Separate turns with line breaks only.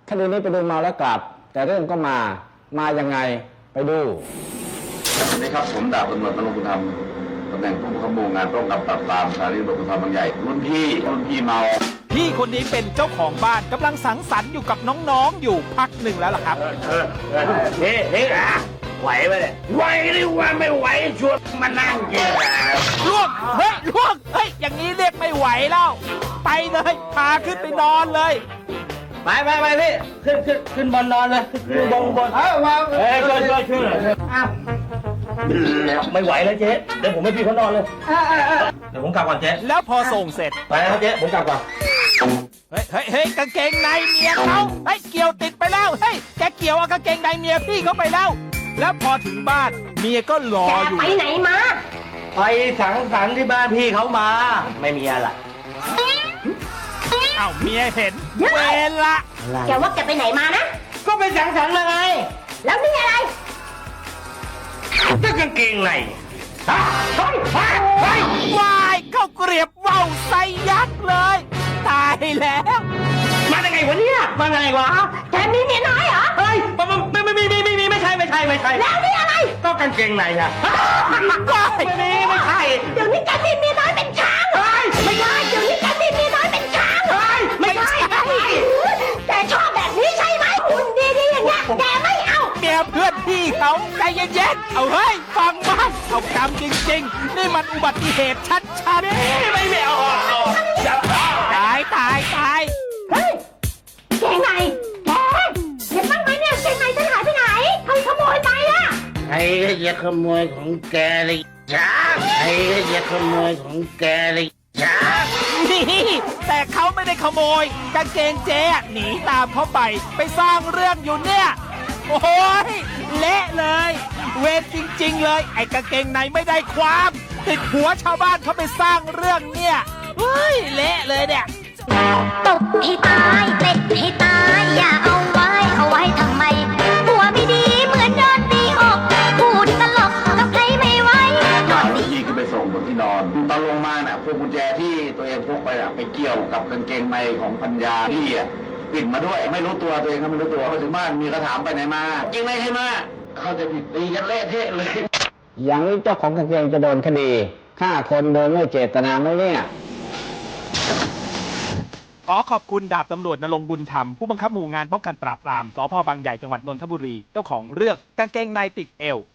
คดีนี้ไปดูเมาแล้วกลับแต่เรื่องก็มายังไงไปดู
สวัสดีครับผมดาบตำรวจนรงค์บุญธรรมตำแหน่งผู้บังคับหมู่งานป้องกันปราบปรามสถานีตำรวจภูธรบางใหญ่รุ่นพี่เมา
พี่คนนี้เป็นเจ้าของบ้านกำลังสังสรรค์อยู่กับน้องๆอยู่พักหนึ่งแล้วล่ะครับ
เฮ้ไหวไหมเนี่ยไหวหรือว่าไม่ไหวชวนมานั่งกิน
ล่วงเฮ้ยอย่างนี้เรียกไม่ไหวแล้วไปเลยพาขึ้นไปนอนเลย
ไปพี่ขึ้นบนนอนเลยขึ้นบนช่วยไม่ไหวแล้วเจ๊เดี๋ยวผมให้พี่เขานอนเลยเดี๋ยวผมกลับก่อนเจ๊
แล้วพอส่งเสร็จ
ไปครับเจ๊ผมกลับก่อน
เฮ้ยกางเกงในเมียเขาเฮ้ยเกี่ยวติดไปแล้วเฮ้ยแกเกี่ยวเอากางเกงในเมียพี่เขาไปแล้วแล้วพอถึงบ้านเมียก็รออยู่
แกไปไหนมา
ไปสังสรรค์ที่บ้านพี่เขามาไม่มีอะไร
อ้าวเมียเห็นเวลา
แกว่าแกไปไหนมานะ
ก็ไปสังสรรค์มาไง
แล้วนี่อะไร
ก็กางเกงใน
วายเข้าเกลียบว่าวใส่ยักษ์เลยตายแล้ว
มาได้ไงวะเนี่ยมาไงวะ
แกมีเมียน้อยเหรอ
เฮ้ยไม่ใช่
แล้วนี่อะไร
ก็กางเกงในอะไม่ใช่
เดี๋ยวนี้แกมีเมียน้อยเป็นช้างไม่ใช่เดี๋ยวนี้แกมีเมียน้อยเป็นช้าง
ไม่ใช่
แกชอบแบบนี้ใช่ไหมหุ่นดีๆอย่างเงี้ยแกไม่เอา
เมียเพื่อนพี่เขาใจเย็นๆเอาเฮ้ยฟังบ้างเอากรรมจริงๆนี่มันอุบัติเหตุชัดๆ
ไม่เอา
ตาย
เฮ้ยเกงในแกเห็นบ้างไหมเนี่ยเกงในฉันหายไปไหนใครขโมยไปอะ
ใครก็จะขโมยของแกเลยจ้าใครก็จะขโมยของแกเลยจ้า
นี่แต่เขาไม่ได้ขโมยกางเกงเจ๊หนีตามเขาไปสร้างเรื่องอยู่เนี่ยโอ้ยเละเลยเวรจริงๆเลยไอ้กางเกงในไม่ได้ความติดหัวชาวบ้านเขาไปสร้างเรื่องเนี่ยเฮ้ยเละเลยเนี่ย
ตบให้ตายเตะให้ตายอย่าเอาไว้ทำไมหัวไม่ดีเหมือนโดนตีอกพูดตลกกับใครไม่ไหว
ตอนที่ขึ้นไปส่งบนที่นอนตอนลงมาน่ะพวกกุญแจที่ตัวเองพกไปไปเกี่ยวกับกางเกงในของปัญญาพี่ปิดมาด้วยไม่รู้ตัวตัวเองก็ไม่รู้ตัวพอถึงบ้านมีกระถามไปไหนมาจริงไหมใช่ไหมเขาจะผิดตีกันเละเทะเลย
อย่างนี้เจ้าของกางเกงจะโดนคดีฆ่าคนโดยไม่เจตนาไหมเนี่ย
ขอขอบคุณดาบตำรวจณรงค์บุญธรรมผู้บังคับหมู่งานป้องกันปราบปรามสภ.บางใหญ่จังหวัดนนทบุรีเจ้าของเรื่องกางเกงในติดเอว